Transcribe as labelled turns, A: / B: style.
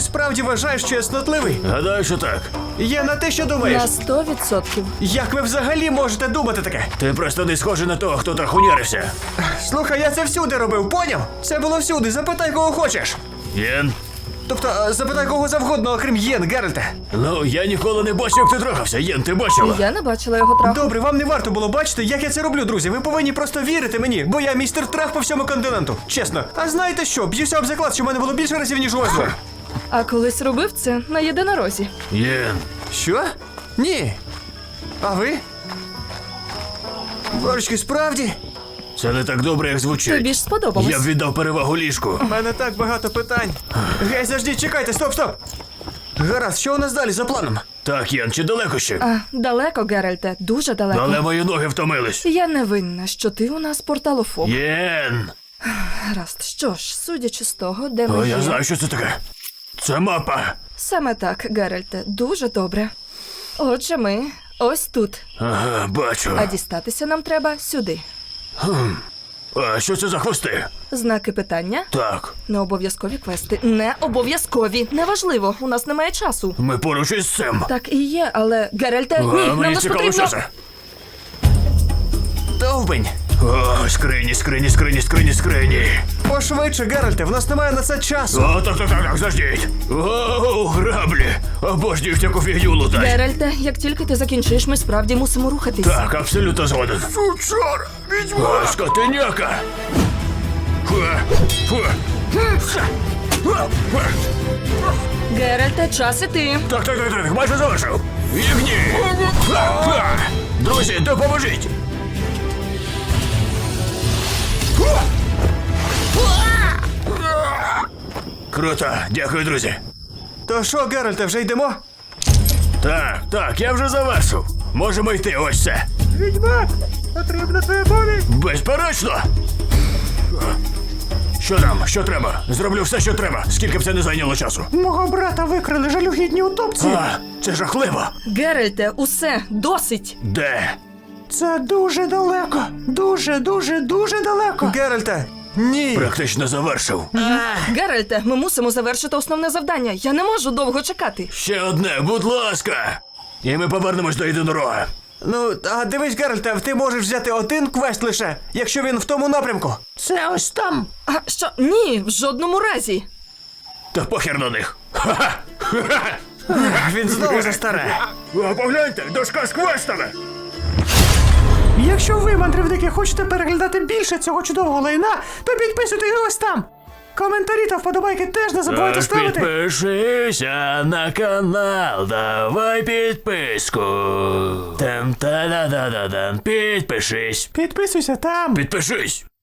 A: справді вважаєш, що я снотливий?
B: Гадаю, що так.
A: Є на те, що думаєш.
C: На 100%.
A: Як ви взагалі можете думати таке?
B: Ти просто не схожий на того, хто трахунярився.
A: Слухай, я це всюди робив, поняв? Це було всюди, запитай кого хочеш.
B: Єн?
A: Тобто, запитай кого завгодно, окрім Єн, Геральте.
B: Ну, я ніколи не бачив, як ти трахався. Єн, ти бачила?
C: Я не бачила його траху.
A: Добре, вам не варто було бачити, як я це роблю, друзі. Ви повинні просто вірити мені, бо я містер трах по всьому континенту. Чесно. А знаєте що? Б'юся об заклад, що в мене було більше разів, ніж у вас двох.
C: А колись робив це на єдинорозі.
B: Єн.
A: Що? Ні. А ви? Борочки, справді?
B: Це не так добре, як звучить.
C: Тобі ж сподобалось.
B: Я б віддав перевагу ліжку.
A: У мене так багато питань. Гей, заждіть, чекайте, стоп! Гаразд, що у нас далі за планом?
B: Так, Єн, чи далеко ще?
C: А, далеко, Геральте, дуже далеко.
B: Але мої ноги втомились.
C: Я не винна, що ти у нас порталофоб.
B: Єн!
C: Гаразд, що ж, судячи з того, де ми
B: О,
C: є...
B: я знаю, що це таке. Це мапа.
C: Саме так, Геральте, дуже добре. Отже, ми ось тут.
B: Ага, бачу.
C: А дістатися нам треба сюди.
B: А що це за хвости?
C: Знаки питання?
B: Так,
C: Не обов'язкові квести. Не обов'язкові. Неважливо, у нас немає часу.
B: ми поруч із цим.
C: Так і є, але Геральте, ні, нам
B: Мені
C: не
B: цікаво,
C: потрібно...
B: що це.
A: Довбень!
B: О, скрині.
A: Пошвидше, Геральте, в нас немає на це часу.
B: О, так, заждіть. О, граблі. Обожнюю всяку фігню лутать.
C: Геральте, як тільки ти закінчиш, ми справді мусимо рухатись.
B: Так, абсолютно згоден. Сучар, відьма. Скотиняка.
C: Геральте, час іти.
B: Так, майже завершив. Ігні. Друзі, допоможіть. Круто, дякую, друзі.
A: То що, Геральте, вже йдемо?
B: Так, я вже завершив. Можемо йти, ось це.
A: Відьмак, потрібна твоя поміч.
B: Безперечно. Що там? Що треба? Зроблю все, що треба. Скільки б це не зайняло часу.
A: Мого брата викрали жалюгідні утопці.
B: А, це жахливо.
C: Геральте, усе, досить.
B: Де?
A: Це дуже далеко. Дуже далеко. Геральте, ні.
B: Практично завершив.
C: Геральте, ми мусимо завершити основне завдання. Я не можу довго чекати.
B: Ще одне, будь ласка. І ми повернемось до єдинорога.
A: Ну, а дивись, Геральте, ти можеш взяти один квест лише, якщо він в тому напрямку. Це ось там.
C: А що? Ні, в жодному разі.
B: Та похер на них.
A: Він знову за старе.
B: Погляньте, дошка з квестами.
A: Якщо ви, мандрівники, хочете переглядати більше цього чудового лайна, то підписуйтесь ось там. Коментарі та вподобайки теж не забувайте ставити.
B: Підпишися на канал, давай підписку. Там-та-да-да-да-дан, підпишись.
A: Підписуйся там.
B: Підпишись.